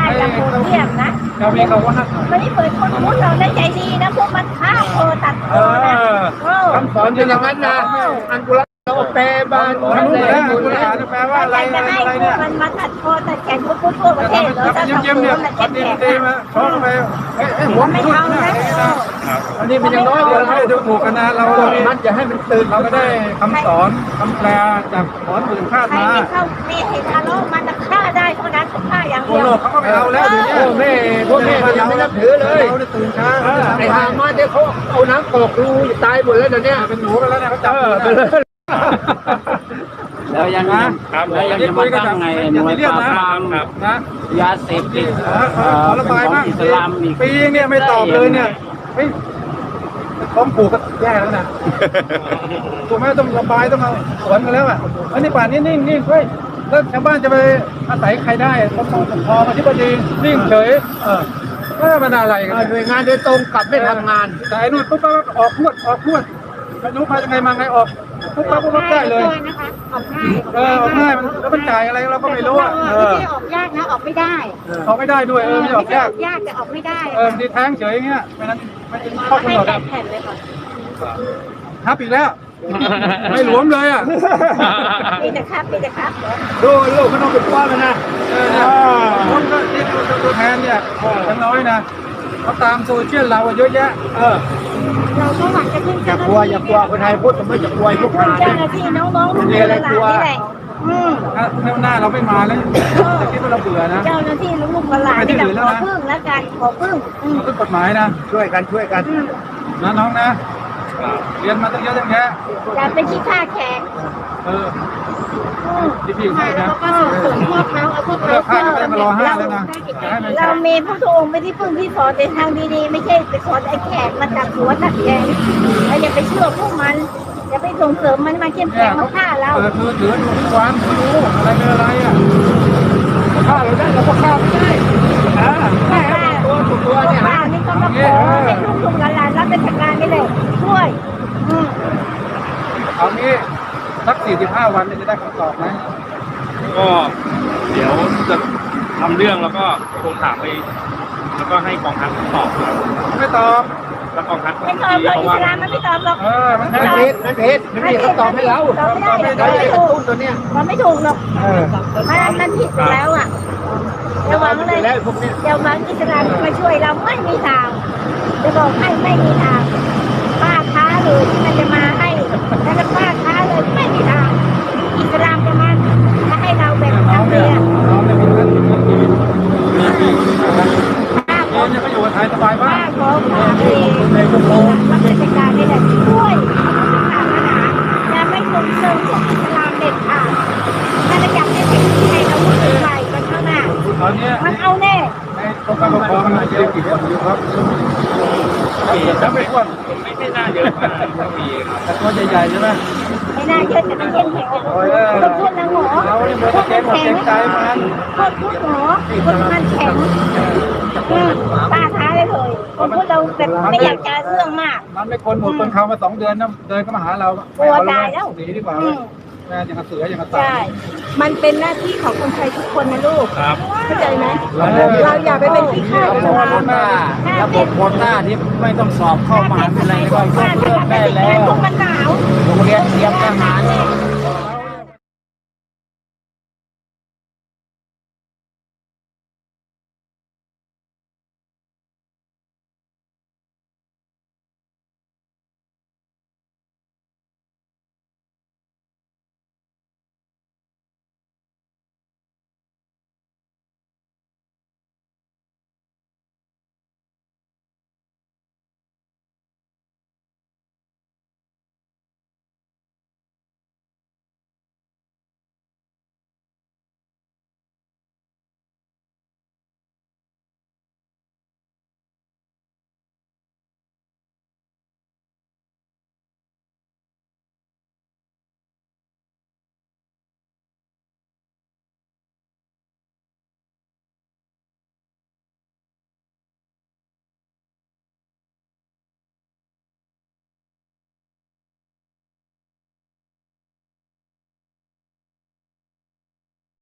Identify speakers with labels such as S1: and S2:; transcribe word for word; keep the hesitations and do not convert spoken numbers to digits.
S1: อย่างโหดเหี้ยมนะ
S2: เรามีเขาว่า
S1: ไม่ได้เปิดคนพูดเราได้ใจดีนะพวกมันฆ่าโคตัดคอนะเออ
S2: คำสอนเป็นอย่างนั้นนะอันกุลเราแปลบ้านอันกุลอันกุลแปลว่าอะไร
S1: จะ
S2: อะไร
S1: ให้
S2: เนี่ย
S1: มันมาตัดคอตัดแขนพวกพูดทั่วประเทศแล้วถ้า
S2: เยี่ยม
S1: ทำ
S2: เยี่ยม
S1: ตัว
S2: เนี่ย
S1: มัน
S2: ดี
S1: แข็ง
S2: ดีมาชอบไปเอ้หัว
S1: ไม่
S2: ทุก
S1: เอา
S2: นะ
S1: นะ
S2: อันนี้มันยังน้อยเราไม่ได้ดูถูกกันนะเรามันจะให้มันตื่นเราก็ได้คำสอนคำแปลจากสอนหมื่นคาด
S1: ใคร
S2: มา
S1: ไม่เข้าไม่เห็นทะเลาะมันจะฆ่าได้เท่านั้นฆ่าอย่าง
S2: พว
S1: เดี
S2: ก
S1: ยว
S2: โลกเขาก็ไม่เอาแล้วเดี๋ยวนี้พวกแม่พวกแม่ยังไม่นับถือเลยเราได้ตื่นเช้าไอ้หามาเดี๋ยวเขาเอาน้ำกรอกรูตายหมดแล้วเดี๋ยวนี้เป็นหนูกันแล้วเนี่ยเขาจับไปเลย
S3: แล้วยังนะครับแล้วยังจะมาตั้งไงหน่วยปราบปราม
S2: นะ
S3: ยาเสพติด
S2: ขอระบายบ้าง
S3: อิสลามอีก
S2: ปีเนี่ยไม่ตอบเลยเนี่ยเฮ้ยท้องผูกก็แย่แล้วนะถูกไหมต้องระบายต้องเอาสวนกันแล้วอ่ะอันนี้ป่านนี้นิ่งนิ่งเฮ้ยแล้วชาวบ้านจะไปอาศัยใครได้ปกครองปกครองอธิบดีนิ่งเฉยเออก็มันอะไรกันหน่วยงานโดยตรงกลับไม่ทำงานแต่ไอ้นู่นปุ๊บปั๊บออกพวดออกพวดไม่รู้มายังไงมาไงออกปุ๊บปั๊บปุ๊บปั๊บได้เลย
S1: นะคะออกง่าย
S2: เออออกง่ายมันแล้วมันจ่ายอะไรเราก็ไม่รู้อ่ะเออ
S1: ไม่ได้ออกยากนะออกไม่ได้
S2: ออกไม่ได้ด้วยเออไม่ออกยาก
S1: ยากแต่ออกไม่ได้
S2: เออดีแท้งเฉยอย่างเงี้ยไม่นั้นไม่เป็นข้อกำ
S1: ให้
S2: หนด
S1: แป
S2: อ่ะ
S1: ดแผ่นเลยค่ะ
S2: ทับอีกแล้ว ไม่หลวมเลยอ่ะ
S1: มีแต่ครับมีแต่ครับ
S2: ดูลูกมันต้องเป็นก้อนเลยนะเออเนี่ยคนก็ที่ตัวแทนเนี่ยทั้งน้อยนะเขาตามโซเชียลเราเยอะแยะเออ
S1: เราก็หวังจะขึ้น
S2: อย่ากลัวอย่ากลัวคนไทยพูดก็ไม่อย่ากลัวพวก
S1: เจ้า
S2: หา
S1: หน้าที่น้องๆทุกคนหลานนี่แหละอืม
S2: ถ้าเที่ยวหน้าเราไม่มาแล้วจะคิดว่าเราเบื่อนะ
S1: เจ้าหน้าที่ลูกๆหลานนี่แหละขอพึ่งแล้วกันขอพึ่งอืม
S2: เราต้องกฎหมายนะช่วยกันช่วยกันนะน้องนะเรียนมาตั้งเยอะตั้งแยะ
S1: อย่าไปขี้ข้าแขก
S2: เออที่พี่ให้นะ
S1: แล้วก็ส่งเสริมพวกเขาเอาพวกเขา
S2: เลิกให้ก็ไม่มารอห้าแล้วนะ
S1: เรามีพระองค์ไม่ได้พึ่งที่สอนแต่ทางดีๆไม่ใช่ไปสอนไอ้แขกมาจากหัวตัดแกงแล้วอย่าไปเชื่อพวกมันอย่าไปส่งเสริมมันมาเข้มแข็งมาฆ่าเรา
S2: เปิดมือถือดูทุกวันไม่รู้อะไรเป็นอะไรอ่ะฆ่าเราได้เราก็ฆ่าไม่ได้อ่าฆ่าตัวถูกตัวเนี่ย
S1: ป้านี่ก็มาขอให้ลูกๆหลานๆรับราชการนี่เลยช่วยอืม
S2: เอางี้สักสี่สิบห้าวันจะได้คำตอบไหม
S4: ก็เดี๋ยวจะทำเรื่องแล้วก็โทรถามไปแล้วก็ให้กองทัพตอบครับ
S2: ไม่ตอบ
S4: แล้วกองทัพ
S1: ไม่ตอบหรอกอิสลามมันไม่ตอบหรอก
S2: เออมันผิดมันผิดไม่มีคำตอบให้เรา
S1: ตอบไม่ได้
S2: ไม่
S1: ตอบ
S2: ได้
S1: ไม่
S2: กระ
S1: ถู
S2: ตุ้
S1: ก
S2: นตัวเนี้ย
S1: มันไม่ถูกหรอก
S2: เออ
S1: มันมันผิดไปแล้วอ่ะอย่าหวังเลย
S2: แล้วพวกเนี้ย
S1: อย่าหวังอิสลามจะมาช่วยเราไม่มีทางจะบอกให้ไม่มีทางป้าท้าเลยที่มันจะมาให้แล้วก็ป้าท้าเลยไม่มีทางอิสลามจะมาจะให้เราแบบ
S2: น้อ
S1: นั้
S2: ง
S1: น
S2: เนี่
S1: เนี่ย ย
S2: น้องเนี่ยมีเงินมีชีวิตมีชีวิต
S1: ป้าข
S2: น้
S1: อ
S2: องเนี่ยก็อยู่กับไทยสบายมา
S1: ป้าก ขอฝากเองรับราชการนี่แหละช่วยศาสนาอย่าไม่ส่งเสริมพวกอิสลามเด็ดขาดถ้าจะอยากให้เป็นที่ให้เราวุ่นวายกันข้างหน้า
S2: ตอนเนี้ย
S1: มันเอาแน่
S2: ในกรมการปกครองมันเยอะกี่คนอยู่ครับถ้าไม่อ้วน
S4: ไม่ใช่หน้าเยอะมากก็มีครับ
S2: แต่ตัวใหญ่ๆใช่ไหม
S1: ไม่น่าเชื่อแต่มันเข้มแข็งคนพูดนะหมอ
S2: เราเนี่ยเหมือนเกมหมดเกมใจมัน
S1: คนพูดหมอคนมันแข็งอืมป้าท้าเลยเลยคนพูดเราแบบไม่อยากจะเรื่องมาก
S2: มันไม่คนหมดคนเขามาสองเดือนนะเดินก็มาหาเรา
S1: กลัวตายแล้ว
S2: หนีดีกว่า
S1: อืม
S2: แม่ยังกระเสือยังกระต่า
S1: ใช่
S2: ย
S1: มันเป็นหน้าที่ของคนไทยทุกคนนะลูก
S4: ครับ
S1: เข้าใจไหม
S2: เรา
S1: เราอย่าไปเป็นที่ข้า
S3: ระ
S1: อิ
S3: บบ
S1: สลาม
S3: โควต้าระบบโควต้าที่ไม่ต้องสอบเข้ามหาวิทยาลัยก็ยกเลิกได้แล้ว
S1: พวกมันหนาว
S3: โรงเรียนเตรียมทหาร